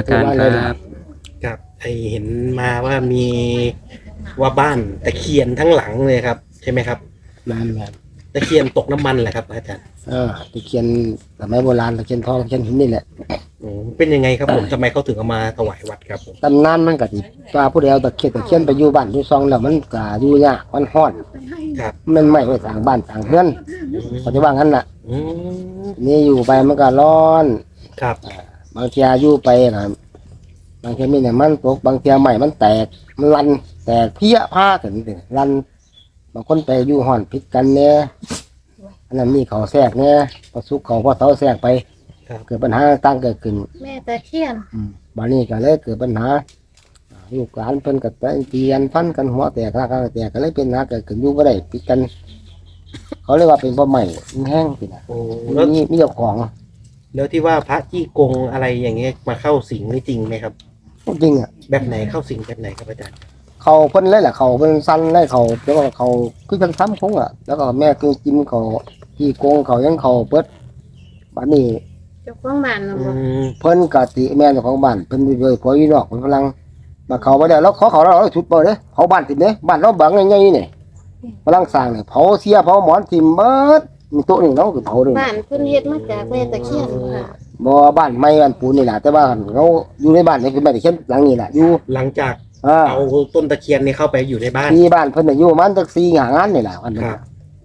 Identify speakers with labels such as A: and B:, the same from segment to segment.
A: การครับ
B: ครับไอเห็นมาว่ามีว่าบ้านตะเคียนทั้งหลังเลยครับใช่ไหมครับ
C: นั่นแหละ
B: ตะเคียนตกน้ำมันแหละครับอาจารย์
C: ตะเคียนสมัยโบราณตะเคียนทองตะเคียนหินนี่แหละ
B: เป็นยังไงครับผมทำไมเขาถึงเอามาถวายวัดครับผม
C: ตำนานมันก็สิว่าผู้ใดเอาตะเคียนไปอยู่บ้านอยู่ซองแล้วมันก็อยู่ยากมันฮ้อน
B: ครับ
C: มันไม่ไว้สร้างบ้านสร้างเรือนเขาจะว่างั้นน่ะ
B: อืม
C: นี่อยู่ไปมันก็ร้อน
B: ครับ
C: บางเทีอยู่ไปนะบางทีมีเนี่ยมันตกบางทีใหม่มันแตกมันรันแตกเพี้ยผ้าถึงรันบางคนไปอยู่ห่อนพิษกันเนี่ยอันนั้นมีเขาแทรกเนี่ยพอสุกเขาพอเสาแทรกไปเกิดปัญหาต่างเกิดขึ้น
A: แม่ตะเคียน
C: บ้านนี้ก็เลยเกิดปัญหาลูกหลานเพิ่นกับเตียนฟันกันหัวแตกราคาแตกก็เลยเป็นหาเกิดขึ้นอยู่ก็ได้พิษกันเขาเรียกว่าเป็นบ่ใหม่แห้งสินะมีเจ้าของ
B: แล้วที่ว่าพระจี้กงอะไรอย่างเงี้ยมาเข้าสิงนี่จริงไหมครับ
C: จริงอ่ะ
B: แบบไหนเข้าสิงแบบไหนครับอาจารย์
C: เขาเพิ่นเลยแหละเขาเพิ่นสั้นเลยเขาแล้วก็เขาคือจังซ้ำคงอ่ะแล้วก็แม่คือจิ้มเขาที่โกงเขายังเขาเปิดบ้านนี้
A: เจ้าของบ้านน่ะบ่
C: เพิ่นกะติแม่เจ้าของบ้านเพิ่นไปเลยผัวอยู่นอกเพิ่นกำลังมาเขาบ่ได้แล้วเขาเราชุดเปิดเด้เผาบ้านติดเด้บ้านเราบังใหญ่ๆนี่กำลังสร้างนี่เผาเสียเผาหมอนทิ่มเบิดมีโต๊ะนึงเนาะคือเผาด้วย
A: บ้านเพิ่นเฮ็ดมาจากแม่ตะเคียนค่ะ
C: บ่บ้านไม้บ้านปูนนี่แหละแต่ว่าเขาอยู่ในบ้านนี่คือบ้านที่เช่นหลังนี้แหละอยู่
B: หลังจากเอาต้นตะเคียนนี่เข้าไปอยู่ในบ้าน
C: ที่บ้านเพิ่นน่ะอยู่มันจัก4 5 งานนี่แหละอันนั้น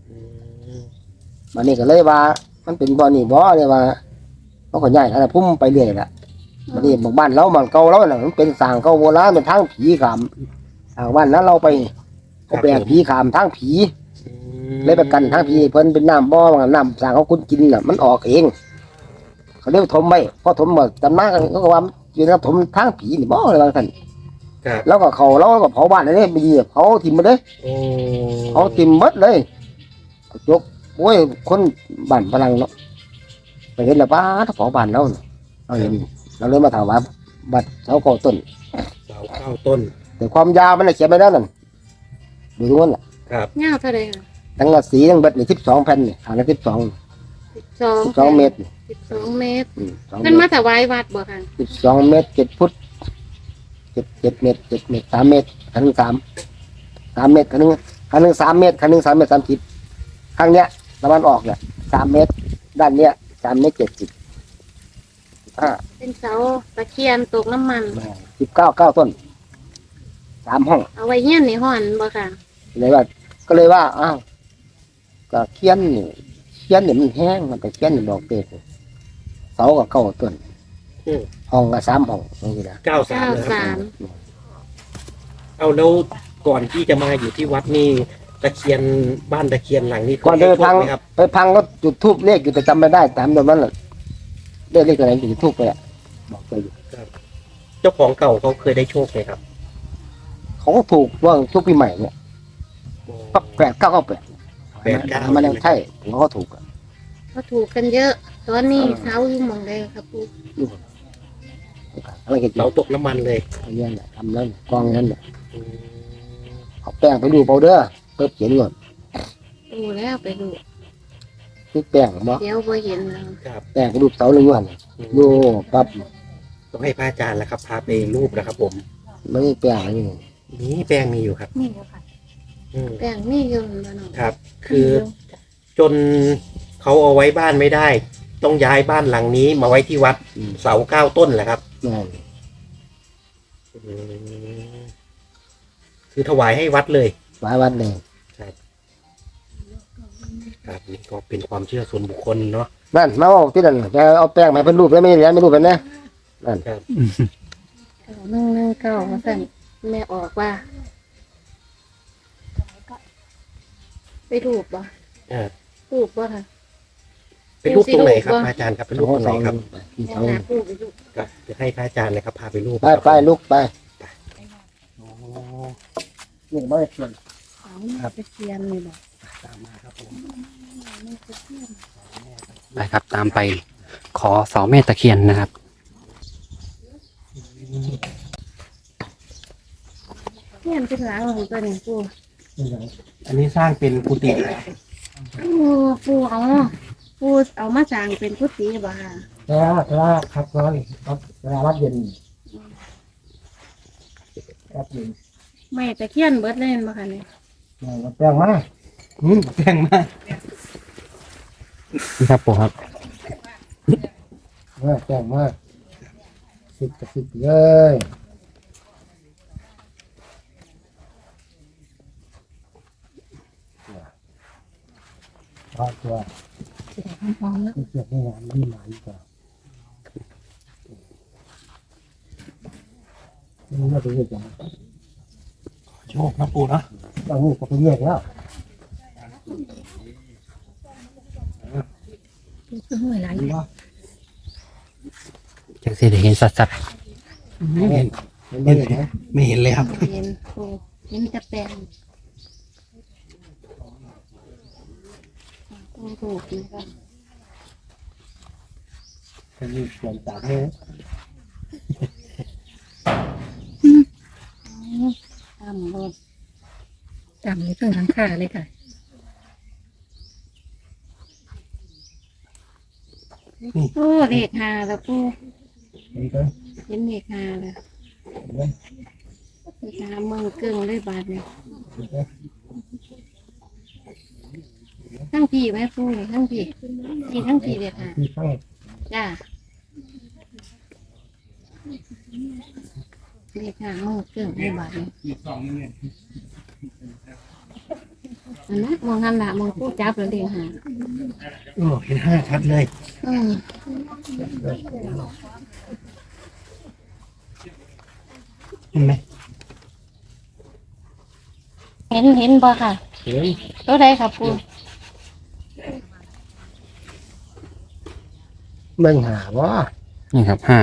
C: มันนี่ก็เลยว่ามันเป็นบ่อนี่บ่เลยว่าเขาก็ย้ายอะไรพุ่มไปเรื่อยละมันนี่บอกบ้านเรามันเก่าแล้วน่ะมันเป็นสร้างเก่าโบราณเป็นทางผีขามทางบ้านนั้นเราไปเขาแปลงผีขามทางผีเลยไปกันทางผีเพิ่นเป็นน้ำบ่อน้ำสร้างเขาคุณกินน่ะมันออกเองเขาเรียกถมไว้พอถมหมดจำมาเขาก็ว่าอยู่ในถมทางผีนี่บ่อะไรบางท่านแล้วก็เขาเราก็เผาบ้านนี่ไปเหยียบเผาทิ่มหมดเลยเผาทิ่มหมดเลยยกโอ้ยคนบ้านพลังเนาะไปเห็นแล้วป้าถ้าเผาบ้านเราเราเห็นเราเลยมาถามว่าบัดเสาเก้าต้น
B: เสาเก้าต้น
C: แต่ความยาวมันเขียนไม่ได้นั่นดูตรงนั้นแหละ
B: ครับ
A: ยาวเท่าใดค่ะ
C: ทั้งกระสีทั้งเบ็ดนี่12 แผ่นนี่ห่างกัน12 เมตร
A: 12 เมตรมันมาถวายวัดบ่ค่ะ
C: 12 เมตร7 ฟุต7 เมตร7 เมตร3 เมตรคันหนึ่ง3 เมตรคันหนึ่ง3 เมตรคันหนึ่ง3 เมตร 30ครั้งเนี้ยตะวันออกเนี่ย3 เมตรด้านเนี้ย3 เมตร 70
A: เป็นเสาตะเคียนตกน้ำมัน
C: 9 ต้น3 ห้อง
A: เอาไว้เฮียนนี่ฮ้อนบ่ค่ะ
C: เลยว่าอ้าวก็เขียนนี่มันแห้งมันไปเขียนนี่บอกเตะเสาก็9 ต้นห้องก็3 ห้องนี่นะ
B: 93เอาแล้วก่อนที่จะมาอยู่ที่วัดนี่ตะเคียนบ้านตะเคียนหลังนี้
C: ก่อนไปพังก็จุดธูปเลขอยู่แต่จำไม่ได้ตามตรงนั้นแหละเลขอะไรจุดธูปไปอ่ะบอกไปอยู่
B: เจ้าของเก่าเขาเคยได้โชคไหมครับ
C: เขาก็ถูกว่าทุกปีใหม่เนี่ยก็8 9 9 8มันยังใช่เขาก็ถูก
A: เขาถูกกันเยอะตอนนี้เสาอยู่หม่องใดครับปู่
C: อะไรกัน
B: เสาตกน้ำมันเลย
C: เนี่ยแหละทำแล้วกองนั้นเนี่ยเอาแป้งไปดูเปล่าเด้อเปิดเขียนก่อน
A: ดูแล้วไปดู
C: นี่แป้งบ่
A: เดี๋ยวบ่เห็นแล้ว
C: แป้งไปดูเสาหนึ่งวันดูปั๊บ
B: ต้องให้พระอาจารย์แล้วครับพาไปรูปนะครับผม
C: ไม่มีแป้งอะไร
B: นี่แป้งมีอยู่ครับ
A: มีอยู่ค่ะแป้งมีอยู่แล้วเนาะ
B: ครับคือจนเขาเอาไว้บ้านไม่ได้ต้องย้ายบ้านหลังนี้มาไว้ที่วัดเสา9 ต้นแหละครับคือถวายให้วัดเลย
C: วัดเลย
B: ครับนี่ก็เป็นความเชื่อส่วนบุคคลเนาะ
C: นั่นมาบอกที่นั่นจะเอาแป้งมาเป็นรูปแล้วไม่เรียนไม่รูปเป็นนะนั่น
B: ครับ
A: 119ว่าซั่นแม่ออกว่าไปรูปบ่รูปบ่ค่ะ
B: เป็นรูปตรงไหนครับอาจารย์ครับเป็นรูปตรงไหนครับ
A: ก็
B: จะให้พระอาจารย์เลยครับพาไปรูป
C: ไปลูกไปนี่ไม่เขียน
A: ครับไปเขียนนี่บ่
B: ตามมาครับผม
A: ไป
D: ครับตามไปขอเสาแม่ตะเคียนนะครับ
A: เนี่ยเป็นหลังของตัวนี้ปู่
B: อันนี้สร้างเป็นกุฏิ
A: ปู่เอามาสร้างเป็นกุฏิบ่ค่ะ
C: แล้วครับเวลาวัดเย็นครับอยู่
A: แม่ตะเคียนเบิดเล่นบ่ค่ะเนี่ย
C: มาแป้งมา
B: แพงมาก
D: นี่ครับปู่ครับ
C: แป้งมาสิบกับสิบเลยพอตัว
A: พร้อมแล้ว
C: เสียบไม่งานนี่หมายกว่านี่น่าจะเรียกจัง
B: โชคนะปู่นะ
C: บางนี่ก็ไปเรียกแล้ว
A: คือห่วยหลาย
D: จังสิได้เห็นสัด
B: ไม่เห็น
C: ไม่เรียกนะ
B: ไม่เห็นเลยครับ
A: เห็นปูเห็นแต่แปลงปูถูกนะคะ
C: จะมีส่วนต่างเนี่ย
A: ตามรถ
E: จำในเครื่องทั้งค่าเลยค่ะ
A: โอ้เลข5แล้วปู
C: นี่ก็
A: เห็นเลข5แล้วเลข5เมืองเกิงเลยบาดนี้ทั้งพี่ไหมปูนี่ทั้งพี่ทั้งพี่เลข5
C: ที่ข้าง
A: จ้าเลข5เมืองเกิงเลยบาดนี้อันนั้นมองหันละมองปูจับแล้วเลข5
B: โอ้เห็น5ชัดเลย
A: อืม
B: เห็นไหม
A: เห็นบ่ค่ะ
C: เห็น
A: ตัวใดค่ะปู
C: มันหาว่า
D: ๆนี่ครับ5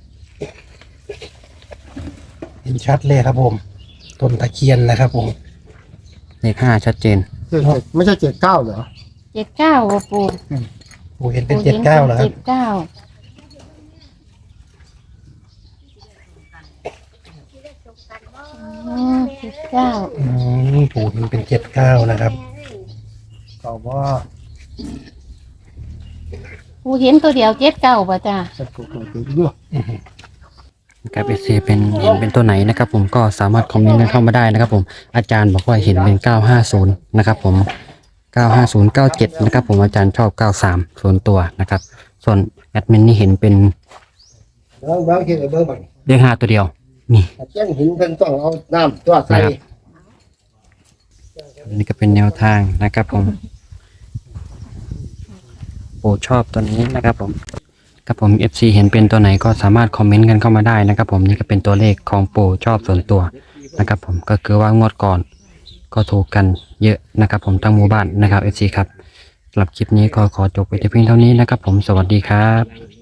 B: เห็นชัดเลยครับผมต้นตะเคียนนะครับผม
D: เลข5ชัดเจน
C: ไม่ใช่7-9เหรอ
A: 79บ่ปู
B: ปู่เห็นเป็น79เหรอครับ
A: 7979
B: ปู่เห็นเป็น79นะครับ
C: ก็ว่า
A: ปูเห็นตัวเดียว79ป่ะจ้า
C: จะถูกตัวด้วย
D: ครับเอเป็นเห็นเป็นตัวไหนนะครับผมก็สามารถคอมเมนต์กันเข้ามาได้นะครับผมอาจารย์บอกว่าเห็นเป็น950นะครับผม950 97นะครับผมอาจารย์ชอบ93ส่วนตัวนะครับส่วนแอดมินนี่เห็นเป็น
C: บางทีเบอร์บัง
D: เลข5ตัวเดียวนี่
C: เช่นหินเป็นต้องเอาน้ำตัวใส่
D: นี่ก็เป็นแนวทางนะครับผมโปรดชอบตัวนี้นะครับผมครับผม FC เห็นเป็นตัวไหนก็สามารถคอมเมนต์กันเข้ามาได้นะครับผมนี่ก็เป็นตัวเลขของโปรชอบส่วนตัวนะครับผมก็คือว่างวดก่อนก็ถูกกันเยอะนะครับผมทั้งหมู่บ้านนะครับ FC ครับสำหรับคลิปนี้ก็ขอจบไปแต่เพียงเท่านี้นะครับผมสวัสดีครับ